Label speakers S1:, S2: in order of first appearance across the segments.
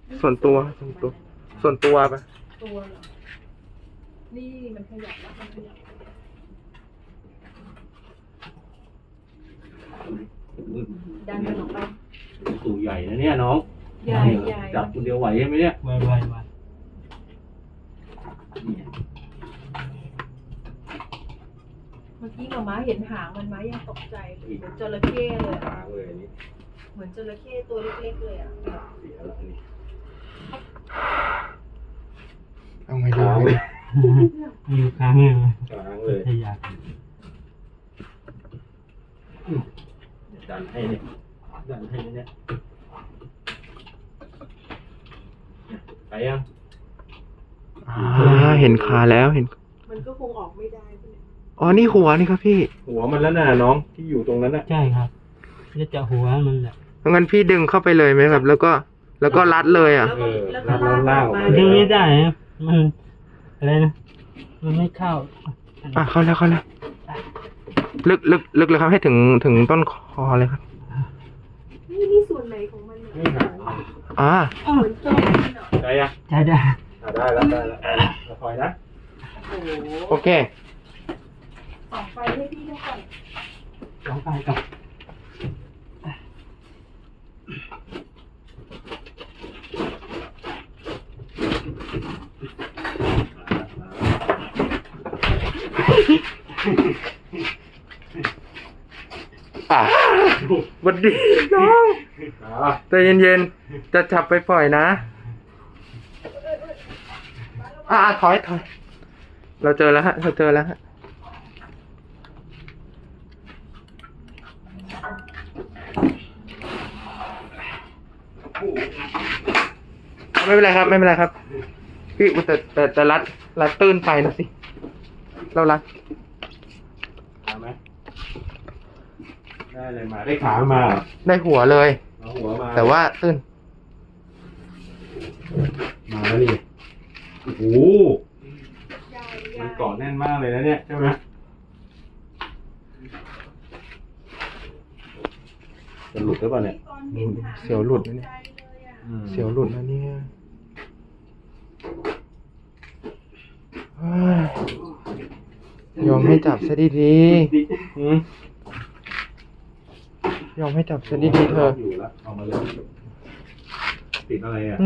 S1: ส่วนตัวส่วนตัวปะ
S2: ตัวเหรอนี่มันขยับแล้วมันขยับดันมันออกไป
S3: ตู่ใหญ่นะเนี่ยน้อง
S2: ใหญ่ใหญ่
S3: จับคนเดียวไหวใช่ไหมเนี่ย
S4: ไว
S2: เมื่อกี้หมาม้าเห็นหางมันม้ายังตกใจเลยเหมือนจระเข้เลย
S3: ทางเลยอันนี้
S2: เหมือนจระเข้ตัวเล็กๆเลยอ่ะ
S3: เสียแล้วอันนี้
S1: เอาไงดี
S3: ค้างเลย
S4: อยู่ค้างเลย
S3: ค้างเลย
S4: ขยับ
S3: ดันให้เนี่ยดันให้เนี่ยไปยัง
S1: เห็นขาแล้วเห็น
S2: มันก็คงออกไม่ได้ใช่ไหม
S1: อ๋อนี่หัวนี่ครับพี่
S3: หัวมันแล้วน่ะน้องที่อยู่ตรงนั้นน่ะ
S4: ใช่ครับจะจับหัวมันแหละ
S1: งั้นพี่ดึงเข้าไปเลยไหมครับ แล้วก็รัดเลยอ่ะ
S2: แล้วก็ลากออกมา
S4: ดึงไม่ได้นะมันอะไรนะมันไม่เข้า
S1: เข้าแล้วลึกเลยครับให้ถึงต้นคอเลยครับ
S2: นี่ส่วนไหนของมันเนี่ย
S3: ไม่หาย
S2: เหมือนตัวมันเหรอ
S3: ได้ยัง
S4: ใช่ได้
S3: ได้แล้วเราคอยนะ
S2: โอ้โห
S1: โอเค
S2: ส่องไฟให้พี่ด้วยก่อน
S4: ลองไปก่อน
S1: สวัสดีน้องใจเย็นๆจะจับไปปล่อยนะถอยเราเจอแล้วฮะไม่เป็นไรครับพี่แต่รัดตื้นไปนะสิเรารัด
S3: มาไหมได้เลยมาได้ขามา
S1: ได้หัวเลย
S3: เอาหัวมา
S1: แต่ว่าตื้น
S3: มาแล้วนี่โอ้โหมันเกาะแน่นมากเลยนะเนี่ยใช่ไหมจะหลุดหรือเปล่าเนี่ย
S1: เสียวหลุดนะเนี่ยเสียวหลุดนะเนี่ยเฮ้ยยอมให้จับซะดีๆยอมให้จับซะดีๆเธอ
S3: อยู่แล้วเอามาเลยติดอะไรอ่ะ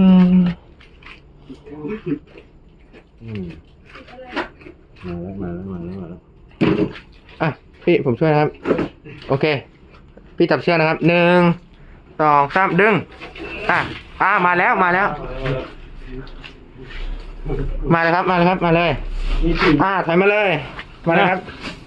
S3: มาแล้ว
S1: พี่ผมช่วยนะครับโอเคพี่จับเชือกนะครับ1 2 3ดึงมาแล้วมาเลยครับมาเลยถอยมาเลยมาเลยครับ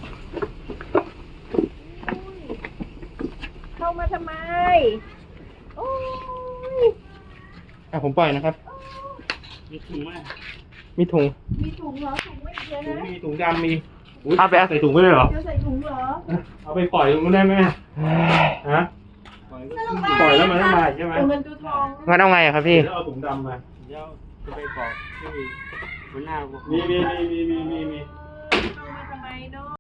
S2: เข้ามาทำไมโอ้ย
S1: ผมปล่อยนะครับ
S4: มีถุงไหม
S1: มีถุง
S2: มีถุงเหรอถุงไม่เยอะนะ
S3: มีถุงดำมี
S1: เอาไป
S3: ใส่ถุงไปเลยเหรอ
S2: จะใส่ถุงเหรอ
S3: เอาไปปล่อยตรงนู้นได้ไหมฮะปล่อยแล้วมันไม่มาใช่ไหม
S2: ตัวเงินตัวทอง
S1: งั้นเอาไงอะครับพี่
S3: แล้วเอาถุงดำมา
S4: เดี๋ยวจะไปบอกที่หัวหน้า
S3: มี
S2: เข้ามาทำไมเนาะ